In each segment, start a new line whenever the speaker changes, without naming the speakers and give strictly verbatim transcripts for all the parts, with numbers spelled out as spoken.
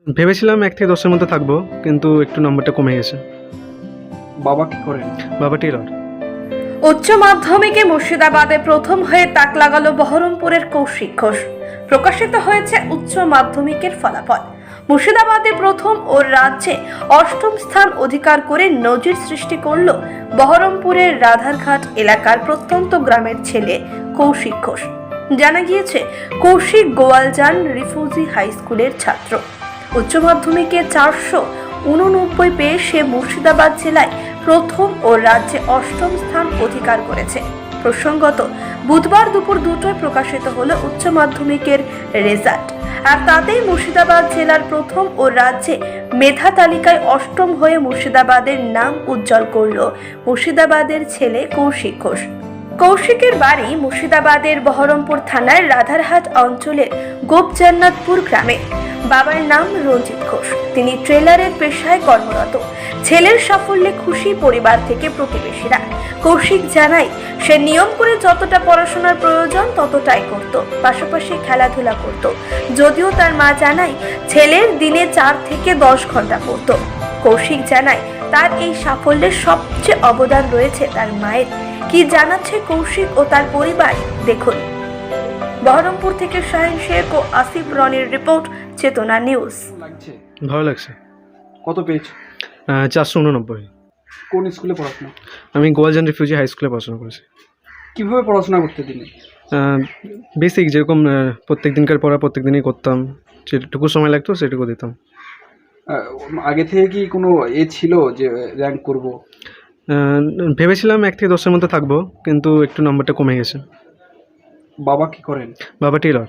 ভেবেছিলাম এক থেকে দশের মধ্যে থাকবো, কিন্তু একটু নম্বরটা কমে গেছে।
বাবা কি করেন?
বাবা টেলর।
উচ্চ মাধ্যমিকে মুর্শিদাবাদে প্রথম হয়ে তাক লাগালো বহরমপুরের কৌশিক ঘোষ। প্রকাশিত হয়েছে উচ্চ মাধ্যমিকের ফলাফল। মুর্শিদাবাদে প্রথম ও রাজ্যে অষ্টম স্থান অধিকার করে নজির সৃষ্টি করল বহরমপুরের রাধারঘাট এলাকার প্রত্যন্ত গ্রামের ছেলে কৌশিক ঘোষ। জানা গিয়েছে, কৌশিক গোয়ালজান রিফিউজি হাই স্কুলের ছাত্র। উচ্চ মাধ্যমিকে চারশো উননব্বই পেয়ে সে মুর্শিদাবাদ জেলায় প্রথম ও রাজ্যে অষ্টম স্থান অধিকার করেছে। প্রসঙ্গত, বুধবার দুপুর দুটোয় প্রকাশিত হলো উচ্চ মাধ্যমিকের রেজাল্ট, আর তাতেই মুর্শিদাবাদ জেলার প্রথম ও রাজ্যে মেধা তালিকায় অষ্টম হয়ে মুর্শিদাবাদের নাম উজ্জ্বল করল মুর্শিদাবাদের ছেলে কৌশিক ঘোষ। কৌশিকের বাড়ি মুর্শিদাবাদের বহরমপুর থানার রাধারহাট অঞ্চলের গোপজান্নাতপুর গ্রামে। বাবার নাম রঞ্জিত ঘোষ, তিনি ট্রেলারের পেশায় কর্মরত। ছেলের সাফল্যে খুশি পরিবার থেকে প্রতিবেশীরা। কৌশিক জানায়, সে নিয়ম করে যতটা পড়াশোনার প্রয়োজন ততটাই করত, পাশাপাশি খেলাধুলা করত। যদিও তার মা জানায়, ছেলের দিনে চার থেকে দশ ঘন্টা পড়ত। কৌশিক জানায়, তার এই সাফল্যের সবচেয়ে অবদান রয়েছে তার মায়ের। কি জানাচ্ছে কৌশিক ও তার পরিবার, দেখুন। বহরমপুর থেকে শাহিন শেখ ও আসিফ রনির রিপোর্ট, চেতনা নিউজ।
লাগছে?
ভালো লাগছে।
কত পেয়েছো?
চারশো উননব্বই।
কোন স্কুলে পড়াশোনা?
আমি গোয়ালজান রিফিউজি হাই স্কুলে পড়াশোনা করেছি।
কিভাবে পড়াশোনা করতে দিনে?
বেসিক যেরকম প্রত্যেক দিনকার পড়া প্রত্যেক দিনই করতাম, যেটুকু সময় লাগতো সেটুকু দিতাম।
আহ, আগে থেকে কি কোনো এ ছিল যে র্যাঙ্ক করব?
ভেবেছিলাম এক থেকে দশের মধ্যে থাকবো, কিন্তু একটু নম্বরটা কমে গেছে।
বাবা কি করেন?
বাবা টেলর।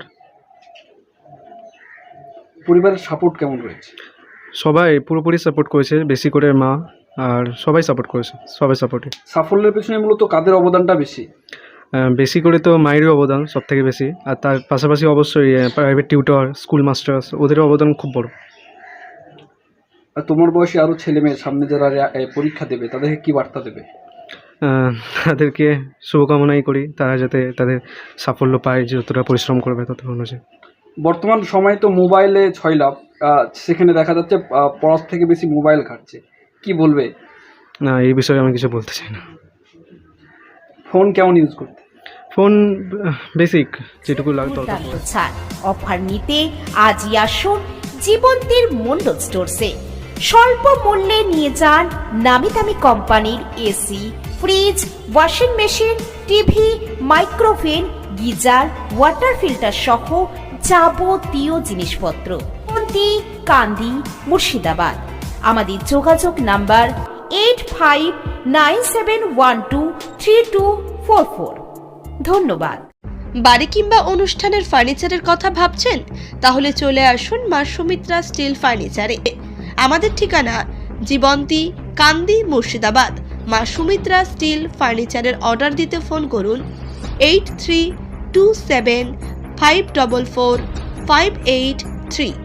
পরিবারের সাপোর্ট কেমন রয়েছে?
সবাই পুরোপুরি সাপোর্ট করেছে, বেশি করে মা আর সবাই সাপোর্ট করেছে, সবাই সাপোর্টিভ।
সাফল্যের পেছনে মূলত কাদের অবদানটা বেশি?
বেশি করে তো মায়েরই অবদান সব থেকে বেশি, আর তার পাশাপাশি অবশ্যই প্রাইভেট টিউটর, স্কুল মাস্টার, ওদেরও অবদান খুব বড়।
আর তোমার বয়সী আরও ছেলে মেয়ে সামনে যারা এ, পরীক্ষা দেবে তাদেরকে কি বার্তা দেবে?
তাদেরকে শুভকামনাই করি, তারা যাতে তাদের সাফল্য পায়, যতটা পরিশ্রম করবে তত অনুযায়ী।
বর্তমান সময়ে তো মোবাইলে ছয় লাভ, সেখানে দেখা যাচ্ছে আহ, পড়ার থেকে বেশি মোবাইল ঘাটছে, কি বলবে?
না, এই বিষয়ে আমি কিছু বলতে চাই না।
ফোন কেমন ইউজ করতে?
ফোন বেসিক যেটুকু লাগতো।
ছাড় অফার নিতে আজই আসুন জীবন্তীর মন্ডল স্টোরসে। স্বল্প মূল্যে নিয়ে যান নামি দামি কোম্পানির AC, fridge, washing machine, TV, micro oven, geyser, water filter সহ যাবতীয় জিনিসপত্র। জীবন্তী, কান্দি, মুর্শিদাবাদ। আমাদের যোগাযোগ number eight five nine seven one two three two four four. ধন্যবাদ।
বাড়ি কিংবা অনুষ্ঠানের ফার্নিচারের কথা ভাবছেন? তাহলে চলে আসুন মা সুমিত্রা স্টিল ফার্নিচারে। আমাদের ঠিকানা জীবন্তী, কান্দি, মুর্শিদাবাদ। মা সুমিত্রা স্টিল ফার্নিচারের অর্ডার দিতে ফোন করুন eight three two seven five double four five eight three.